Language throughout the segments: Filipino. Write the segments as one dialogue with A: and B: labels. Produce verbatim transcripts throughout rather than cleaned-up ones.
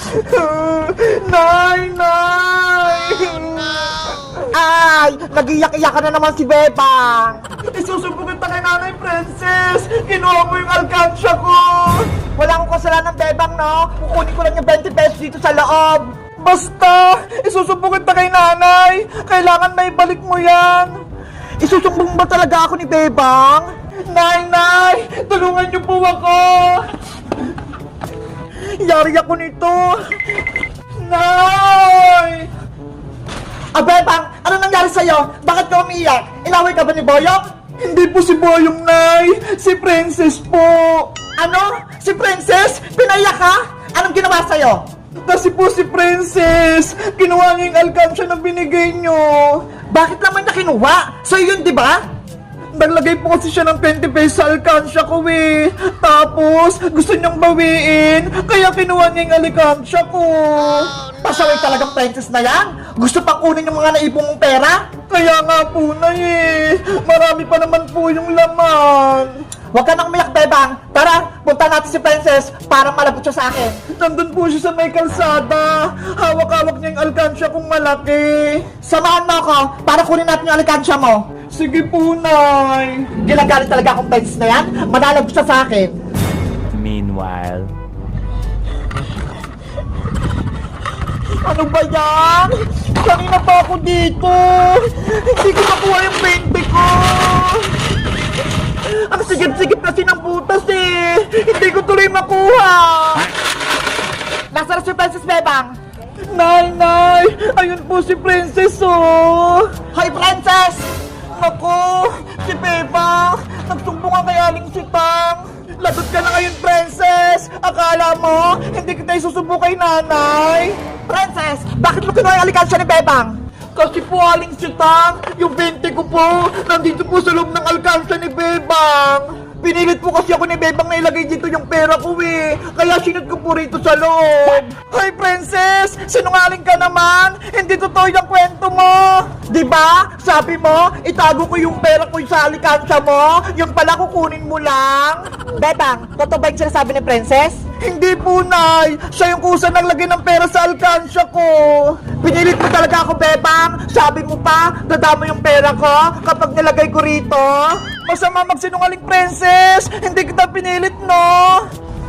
A: Nay! Nay!
B: Ay! Nag-iyak-iyak ka na naman si Bebang!
A: Isusumbugin ta kay Nanay Princess! Kinuha mo yung alkansya ko!
B: Wala akong kasalanan, Bebang, no? Kukunin ko lang yung twenty pesos dito sa loob!
A: Basta! Isusumbugin ta kay Nanay! Kailangan may balik mo yan!
B: Isusumbong ba talaga ako ni Bebang?
A: Nay! Nay! Tulungan niyo po ako!
B: Yari ako nito!
A: Nay!
B: Ah, Bebang! Ano nangyari sa'yo? Bakit ka umiiyak? Inaway ka ba ni Boyong?
A: Hindi po si Boyong, Nay! Si Princess po!
B: Ano? Si Princess? Pinaiyak ka? Anong ginawa sa'yo?
A: Kasi po si Princess! Kinuha niya yung alkansya na binigay niyo!
B: Bakit naman niya kinuha? Sa'yo yun, di ba?
A: Naglagay po kasi siya ng twenty pesos sa alkansya ko eh. Tapos, gusto niyang bawiin, kaya kinuha niya yung alkansya ko.
B: Pasaway talagang Princess na yan? Gusto pang kunin yung mga naipong mong pera?
A: Kaya nga po na eh. Marami pa naman po yung laman.
B: Huwag ka nang umiyak, Bebang. Tara, punta natin si Princess para malapit siya sa akin.
A: Nandun po siya sa may kalsada. Hawak-hawak niya yung alkansya kong malaki.
B: Samahan mo ako para kunin natin yung alkansya mo.
A: Sige po, Nay.
B: Ginagalit talaga akong Princess na yan. Manalag siya sa akin.
C: Meanwhile.
B: Ano ba yan? Kanina pa ako dito. Hindi ko nakuha yung twenty ko. Ang sigip-sigip kasi ng butas eh. Hindi ko tuloy makuha. Nasaan si Princess, Bebang?
A: Nay, Nay. Ayun po si Princess, oh.
B: Hoy, Princess!
A: Naku, si Bebang. Nagsumbungan kay Aling Sitang. Lagot ka na ngayon, Princess. Akala mo, hindi kita isusubo kay Nanay.
B: Princess, bakit mo kinuha yung alikansya ni Bebang?
A: Kasi po, Aling Sitang, yung twenty ko po, nandito po sa loob ng alkansya ni Bebang. Pinilit po kasi ako ni Bebang na ilagay dito yung pera ko eh. Kaya sinod ko po rito sa loob. Hoy, Princess! Sinungaling ka naman! Hindi totoo yung kwento mo!
B: Diba? Sabi mo, itago ko yung pera ko sa alikansya mo, yung pala kukunin mo lang. Bebang, totoo ba yung sinasabi ni Princess?
A: Hindi po, Nay! Siya yung kusa naglagay ng pera sa alkansya ko!
B: Pinilit mo talaga ako, Bebang. Sabi mo pa, dadama yung pera ko kapag nilagay ko rito.
A: Masama magsinungaling, Princess! Hindi kita pinilit, no?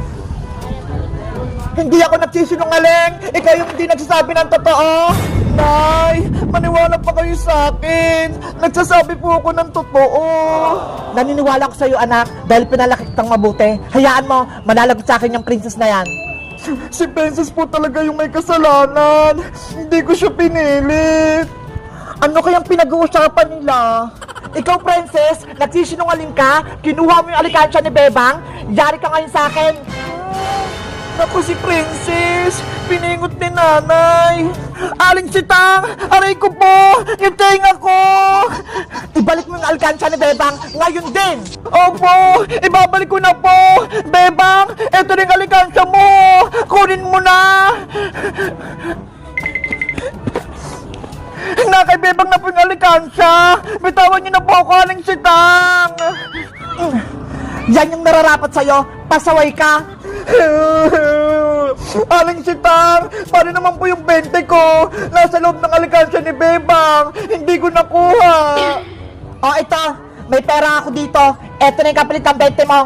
B: Hindi ako nagsisinungaling. Ikaw yung hindi nagsasabi ng totoo.
A: Nay, maniwala pa kayo sa akin. Nagsasabi po ako ng totoo.
B: Naniniwala ko sa'yo, anak, dahil pinalaki kitang mabuti. Hayaan mo, manalagot sa akin yung Princess na yan.
A: Si Princess po talaga yung may kasalanan. Hindi ko siya pinilit.
B: Ano kayang pinag-uusapan nila? Ikaw, Princess, nagsisinungaling ka, kinuha mo yung alikansya ni Bebang, yari ka ngayon sa akin.
A: Naku, si Princess, piningot ni Nanay. Aling Sitang, aray ko po, yung tenga ko.
B: Ibalik mo yung alikansya ni Bebang ngayon din.
A: Opo, ibabalik ko na po. Bebang, eto rin alikansya mo. Kunin mo na. Na kay Bebang na po yung alikansya. Bitawan niyo na po ako, Aling Sitang.
B: Yan yung nararapat sa'yo, pasaway ka.
A: Aling Sitang, paano naman po yung twenty ko? Nasa loob ng alikansya ni Bebang. Hindi ko nakuha.
B: O ito, may pera ako dito. Eto na yung kapalit ng twenty mo.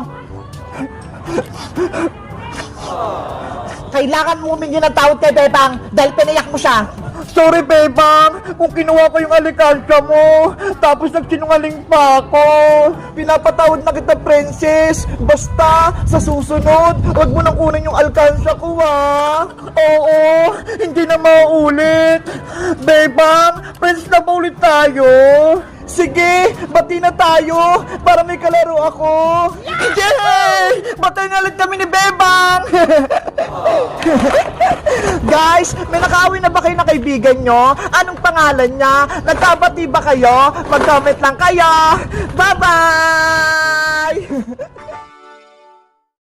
B: Kailangan mo humingi ng tawad kay Bebang dahil pinayak mo siya.
A: Sorry, Bebang, kung kinuha ko yung alikansya mo, tapos nagsinungaling pa ako. Pinapatawad na kita, Princess. Basta, sa susunod, huwag mo nang kunin yung alikansya ko, ha? Oo, hindi na mauulit. Bebang, friends na ba ulit tayo? Sige, bati na tayo para may kalaro ako. Yay! Batay na ulit kami ni Bebang!
B: Guys, may nakawin na ba kayo na kaibigan nyo? Anong pangalan niya? Nagkabati ba kayo? Mag-comment lang kayo. Bye-bye!